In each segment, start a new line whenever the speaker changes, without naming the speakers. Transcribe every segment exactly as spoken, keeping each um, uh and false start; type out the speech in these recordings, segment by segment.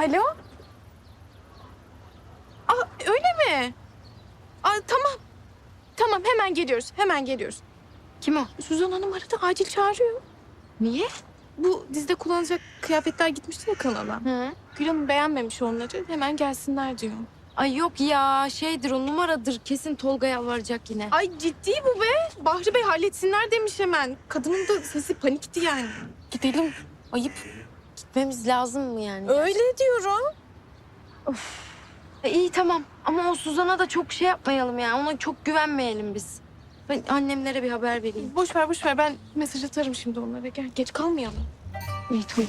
Alo? Aa, öyle mi? Aa, tamam. Tamam, hemen geliyoruz. Hemen geliyoruz.
Kim o?
Suzan Hanım aradı. Acil çağırıyor.
Niye?
Bu dizide kullanacak kıyafetler gitmişti ya kanala.
Hı.
Gül Hanım beğenmemiş onları. Hemen gelsinler diyor.
Ay yok ya şeydir o numaradır. Kesin Tolga yalvaracak yine.
Ay ciddi bu be. Bahri Bey halletsinler demiş hemen. Kadının da sesi panikti yani. Gidelim. Ayıp.
Gitmemiz lazım mı yani?
Öyle diyorum.
E, iyi tamam ama o Suzan'a da çok şey yapmayalım ya. Ona çok güvenmeyelim biz. Ben annemlere bir haber vereyim.
Boş ver boş ver. Ben mesaj atarım şimdi onlara. Gel geç kalmayalım.
İyi tamam.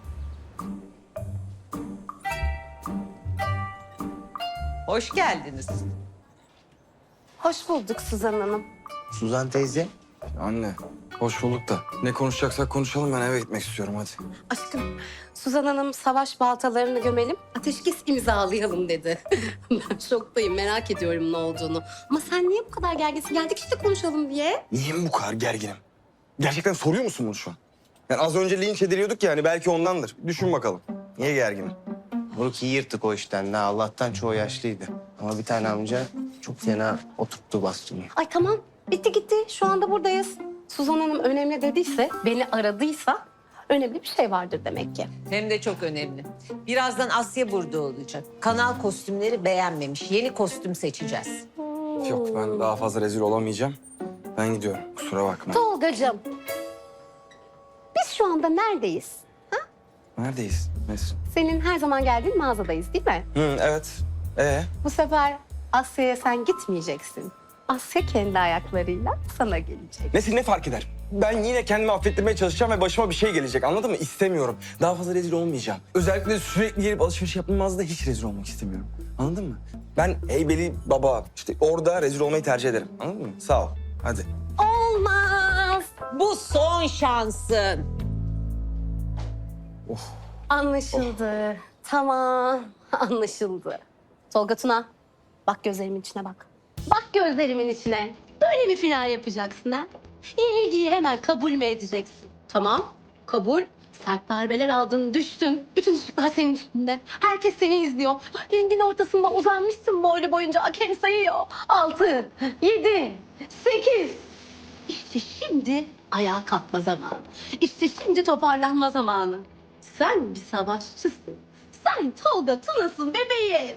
Hoş geldiniz.
Hoş bulduk Suzan Hanım.
Suzan teyze.
Anne, hoş bulduk da. Ne konuşacaksak konuşalım, ben eve gitmek istiyorum hadi.
Aşkım, Suzan Hanım savaş baltalarını gömelim, ateşkes imzalayalım dedi. Ben şoktayım, merak ediyorum ne olduğunu. Ama sen niye bu kadar gerginsin? Geldik işte konuşalım diye.
Niye bu kadar gerginim? Gerçekten soruyor musun bunu şu an? Yani az önce linç ediliyorduk yani, belki ondandır. Düşün bakalım. Niye gerginim?
Moruk iyi yırttık o işten. Ne Allah'tan çoğu yaşlıydı. Ama bir tane amca çok fena oturttu bastonu.
Ay tamam, bitti gitti. Şu anda buradayız. Suzan Hanım önemli dediyse, beni aradıysa önemli bir şey vardır demek ki.
Hem de çok önemli. Birazdan Asya burada olacak. Kanal kostümleri beğenmemiş. Yeni kostüm seçeceğiz.
Yok, ben daha fazla rezil olamayacağım. Ben gidiyorum, kusura bakma.
Tolgacığım, biz şu anda neredeyiz?
Neredeyiz? Nesin?
Senin her zaman geldiğin mağazadayız değil mi?
Hı, evet. Ee?
Bu sefer Asya'ya sen gitmeyeceksin. Asya kendi ayaklarıyla sana gelecek.
Nesin, ne fark eder? Ben yine kendimi affettirmeye çalışacağım ve başıma bir şey gelecek, anladın mı? İstemiyorum. Daha fazla rezil olmayacağım. Özellikle sürekli gelip alışveriş yaptığım mağazada hiç rezil olmak istemiyorum. Anladın mı? Ben Heybeli Baba, işte orada rezil olmayı tercih ederim. Anladın mı? Sağ ol. Hadi.
Olmaz.
Bu son şansın.
Anlaşıldı. Tamam, anlaşıldı. Tolga Tuna, bak gözlerimin içine bak. Bak gözlerimin içine. Böyle mi final yapacaksın ha? İlgiyi hemen kabul mü edeceksin? Tamam, kabul. Sert darbeler aldın, düştün. Bütün ışıklar senin üstünde. Herkes seni izliyor. Ringin ortasında uzanmışsın boylu boyunca. Hakem sayıyor. Altı, yedi, sekiz. İşte şimdi ayağa kalkma zamanı. İşte şimdi toparlanma zamanı. Sen bir savaşçısın. Sen Tolga Tuna'sın bebeğim.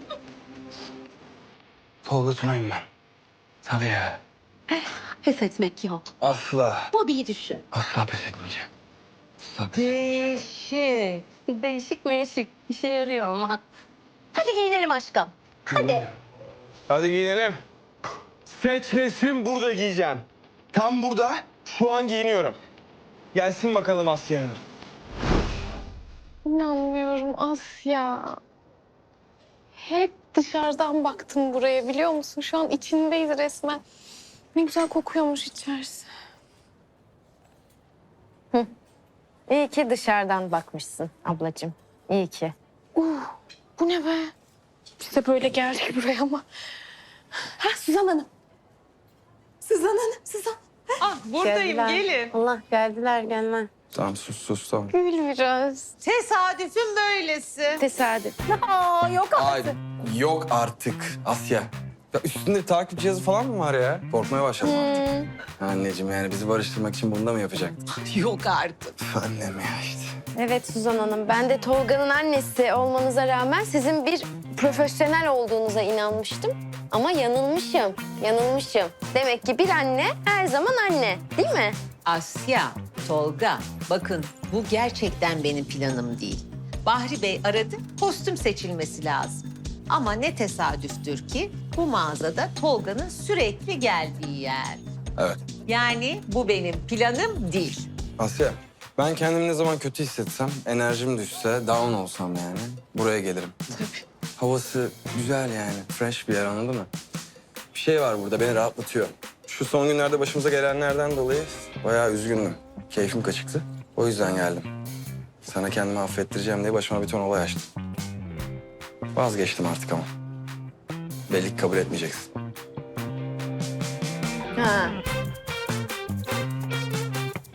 Tolga Tuna'yım ben. Tabii ya.
Pes etmek yok.
Asla.
Bobby'yi düşün.
Asla pes etmeyeceğim. Asla pes
Değişik. Değişik meşik. İşe yarıyor ama. Hadi giyinelim aşkım. Hadi.
Hadi giyinelim. Seç resim, burada giyeceğim. Tam burada, şu an giyiniyorum. Gelsin bakalım Asya Hanım.
İnanmıyorum Asya. Hep dışarıdan baktım buraya biliyor musun? Şu an içindeyiz resmen. Ne güzel kokuyormuş içerisi.
İyi ki dışarıdan bakmışsın ablacığım. İyi ki.
Uh, bu ne be? Biz de böyle geldik buraya ama. Ha Suzan Hanım. Suzan Hanım, Suzan.
Ah buradayım
Geldiler.
gelin.
Allah geldiler gelme.
Tamam sus sus tamam.
Gül biraz.
Tesadüfün böylesi.
Tesadüf.
Aa, yok
Ay yok artık Asya. Ya üstünde takip cihazı falan mı var ya? Korkmaya başladım artık. Anneciğim yani bizi barıştırmak için bunu da mı yapacaktın?
Yok artık.
Üf, annem ya işte.
Evet Suzan Hanım, ben de Tolga'nın annesi olmanıza rağmen sizin bir profesyonel olduğunuza inanmıştım. Ama yanılmışım, yanılmışım. Demek ki bir anne her zaman anne, değil mi?
Asya, Tolga, bakın bu gerçekten benim planım değil. Bahri Bey aradı, kostüm seçilmesi lazım. Ama ne tesadüftür ki bu mağazada Tolga'nın sürekli geldiği yer.
Evet.
Yani bu benim planım değil.
Asya ben kendimi ne zaman kötü hissetsem, enerjim düşse, down olsam yani buraya gelirim. Havası güzel yani, fresh bir yer anladın mı? Bir şey var burada beni rahatlatıyor. Şu son günlerde başımıza gelenlerden dolayı bayağı üzgündüm. Keyfim kaçıktı. O yüzden geldim. Sana kendimi affettireceğim diye başıma bir ton olay açtım. Vazgeçtim artık ama. Belli ki kabul etmeyeceksin.
Ha.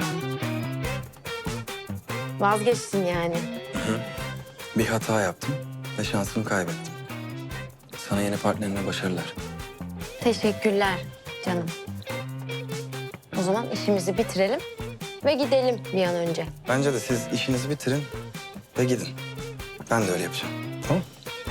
Vazgeçtin yani.
Bir hata yaptım. ve şansımı kaybettim. Sana yeni partnerine başarılar.
Teşekkürler canım. O zaman işimizi bitirelim ve gidelim bir an önce.
Bence de siz işinizi bitirin ve gidin. Ben de öyle yapacağım. Tamam?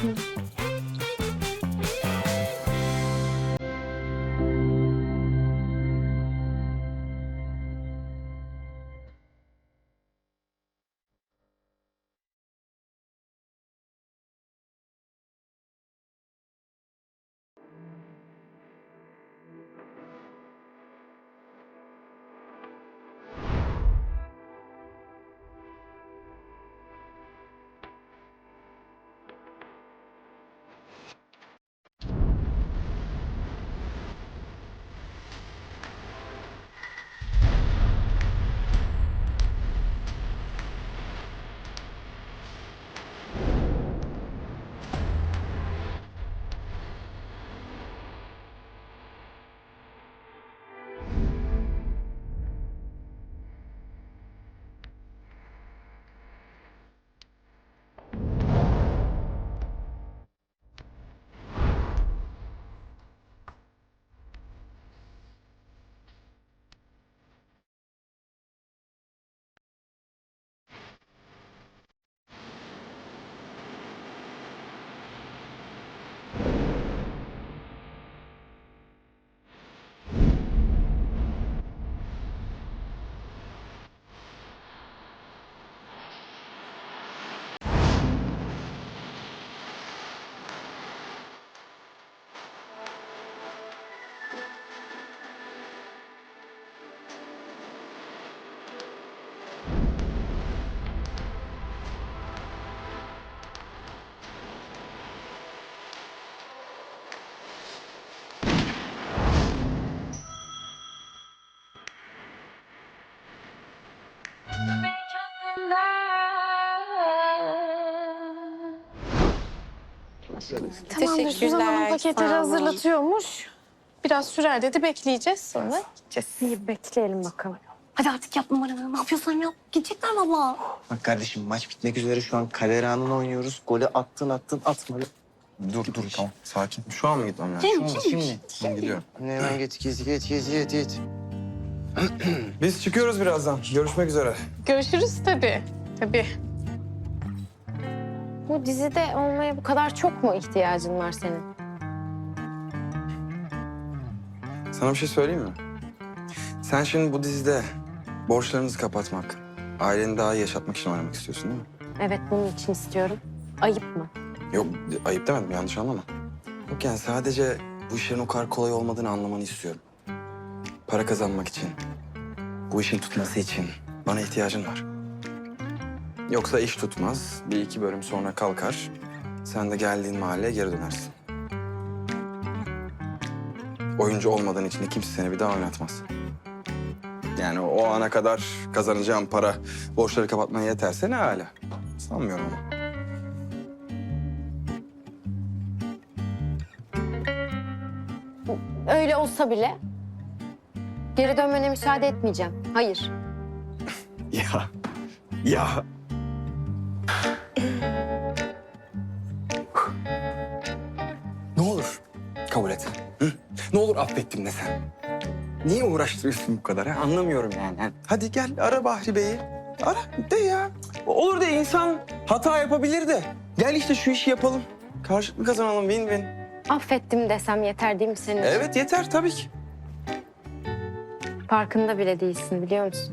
Tamamdır. Suzan Hanım paketleri hazırlatıyormuş. Biraz sürer dedi. Bekleyeceğiz. Sonra gideceğiz.
İyi bekleyelim bakalım.
Hadi artık yap numaranı. Ne yapıyorsan yap. Gidecekler valla.
Bak kardeşim maç bitmek üzere şu an kader anını oynuyoruz. Golü attın attın atmadı.
Dur dur tamam sakin. Şu an mı gitmem lazım?
Şimdi,
Şimdi,
şimdi.
şimdi.
Ben gidiyorum.
Hemen git git git git git git.
Biz çıkıyoruz birazdan. Görüşmek üzere.
Görüşürüz tabii. Tabii.
Bu dizide olmaya bu kadar çok mu ihtiyacın var senin?
Sana bir şey söyleyeyim mi? Sen şimdi bu dizide borçlarınızı kapatmak, aileni daha iyi yaşatmak için oynamak istiyorsun değil mi?
Evet, bunun için istiyorum. Ayıp mı?
Yok ayıp demedim yanlış anlama. Yok yani sadece bu işlerin o kadar kolay olmadığını anlamanı istiyorum. Para kazanmak için, bu işin tutması için bana ihtiyacın var. Yoksa iş tutmaz, bir iki bölüm sonra kalkar. Sen de geldiğin mahalleye geri dönersin. Oyuncu olmadığın için de kimse seni bir daha oynatmaz. Yani o ana kadar kazanacağım para borçları kapatmaya yeterse ne hala. Sanmıyorum ama.
Öyle olsa bile geri dönmene müsaade etmeyeceğim. Hayır.
Ya, ya. Ne olur kabul et. Hı? Ne olur affettim de sen. Niye uğraştırıyorsun bu kadar? Ha? Anlamıyorum yani. Hadi gel ara Bahri Bey'i. Ara de ya. Olur de insan hata yapabilir de. Gel işte şu işi yapalım. Karşılıklı kazanalım win win.
Affettim desem yeter değil mi senin için?
Evet yeter tabii ki.
Farkında bile değilsin, biliyor musun?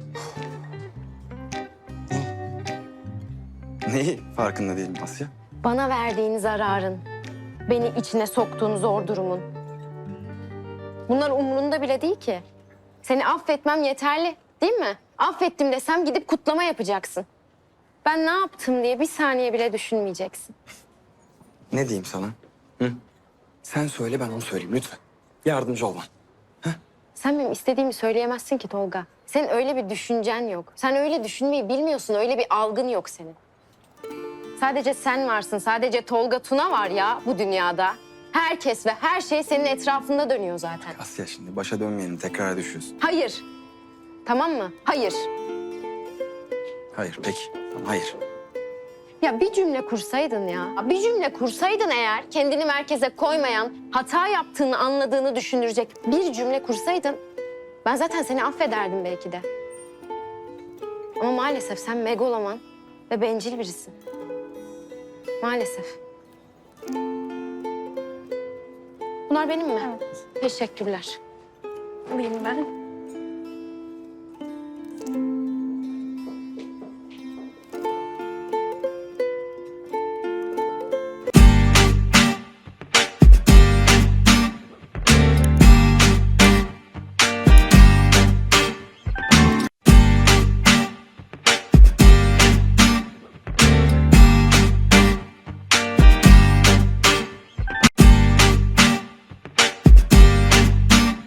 Neyi farkında değilim Asya?
Bana verdiğin zararın, beni içine soktuğun zor durumun. Bunlar umurunda bile değil ki. Seni affetmem yeterli, değil mi? Affettim desem gidip kutlama yapacaksın. Ben ne yaptım diye bir saniye bile düşünmeyeceksin.
Ne diyeyim sana? Hı? Sen söyle ben onu söyleyeyim lütfen. Yardımcı ol bana.
Sen benim istediğimi söyleyemezsin ki Tolga. Senin öyle bir düşüncen yok. Sen öyle düşünmeyi bilmiyorsun, öyle bir algın yok senin. Sadece sen varsın, sadece Tolga Tuna var ya bu dünyada. Herkes ve her şey senin etrafında dönüyor zaten.
Asya şimdi başa dönmeyelim tekrar düşüyorsun.
Hayır. Tamam mı? Hayır.
Hayır peki. Tamam, hayır.
Ya bir cümle kursaydın ya. Bir cümle kursaydın eğer kendini merkeze koymayan, hata yaptığını anladığını düşündürecek bir cümle kursaydın ben zaten seni affederdim belki de. Ama maalesef sen megaloman ve bencil birisin. Maalesef. Bunlar benim mi?
Evet.
Teşekkürler.
Alayım ben.